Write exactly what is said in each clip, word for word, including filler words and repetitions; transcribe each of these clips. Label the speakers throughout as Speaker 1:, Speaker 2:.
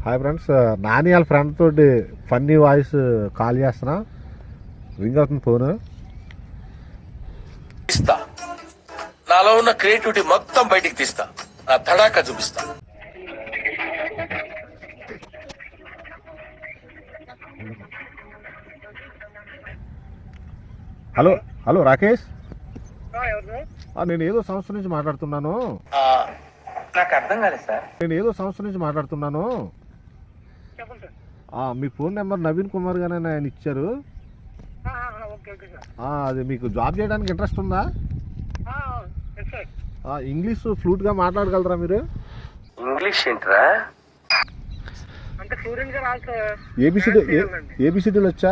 Speaker 1: Hi friends, Nani వాళ్ళ friend తోటి funny voice call చేస్తున్నా. రింగ్ అవుతుంది ఫోన్.
Speaker 2: ఇస్తా నాలో ఉన్న క్రియేటివిటీ మొత్తం బయటికి తీస్తా, నా తడాక చూపిస్తా.
Speaker 1: హలో హలో రాకేష్, నేను ఏదో సంస్థ నుంచి మాట్లాడుతున్నాను.
Speaker 2: నాకు అర్థం కాలేదు సార్.
Speaker 1: నేను ఏదో సంస్థ నుంచి మాట్లాడుతున్నాను. మీ ఫోన్ నెంబర్ నవీన్ కుమార్ గానే ఆయన ఇచ్చారు. అది మీకు జాబ్ చేయడానికి ఇంట్రెస్ట్ ఉందా? ఇంగ్లీష్ ఫ్లూట్ గా మాట్లాడగలరా మీరు?
Speaker 2: ఇంగ్లీష్ ఏంట్రా?
Speaker 1: ఏబిసిడి ఏబిసిడీలు వచ్చా?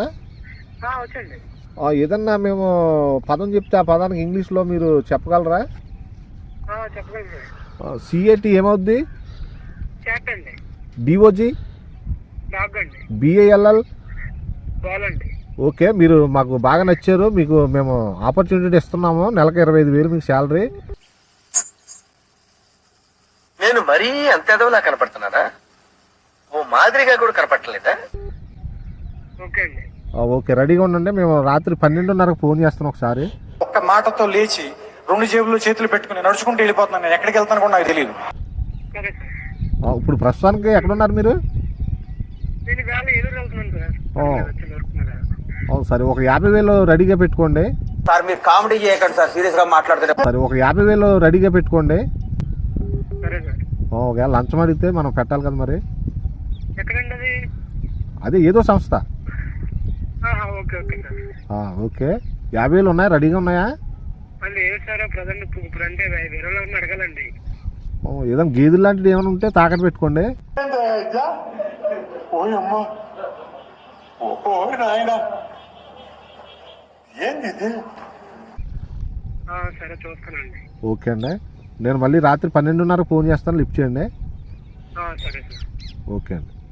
Speaker 1: ఏదన్నా మేము పదం చెప్తే ఆ పదానికి ఇంగ్లీష్లో మీరు చెప్పగలరా? సిఏటి ఏమవుద్ది? DOJ, BALL. ఓకే, మీరు మాకు బాగా నచ్చారు. మీకు మేము ఆపర్చునిటీ ఇస్తున్నాము. నెలకు ఇరవై ఐదు వేలు మీకు శాలరీ.
Speaker 2: నేను మరీ అంత ఎదవలా కనపడుతున్నానా? ఓ మాదిరిగా కూడా కనపడలేదా?
Speaker 1: ఓకే, రెడీగా ఉండండి. మేము రాత్రి పన్నెండున్నరకు ఫోన్ చేస్తాం. ఒకసారి
Speaker 3: ఒక్క మాటతో లేచి రెండు జేబులు చేతులు పెట్టుకుని నడుచుకుంటూ వెళ్ళిపోతున్నాను. నేను ఎక్కడికి వెళ్తాను కూడా నాకు తెలియదు.
Speaker 1: ఇప్పుడు ప్రస్తుతానికి ఎక్కడున్నారు మీరు? సరే, ఒక యాభై వేలు రెడీగా పెట్టుకోండి.
Speaker 3: సార్ మీరు కామెడీ చేయకండి సార్, సీరియస్ గా మాట్లాడుతున్నారు.
Speaker 1: సరే, ఒక యాభై వేలు రెడీగా పెట్టుకోండి. ఒకవేళ లంచం అడిగితే మనం పెట్టాలి కదా మరి. అదే ఏదో సంస్థ. ఓకే, యాభై వేలు ఉన్నాయా? రెడీగా ఉన్నాయా? ఏదైనా గేదెలు లాంటిది ఏమైనా ఉంటే తాకట్టు పెట్టుకోండి. ఓకే అండి, నేను మళ్ళీ రాత్రి పన్నెండున్నర ఫోన్ చేస్తాను. లిఫ్ట్ చేయండి. ఓకే అండి.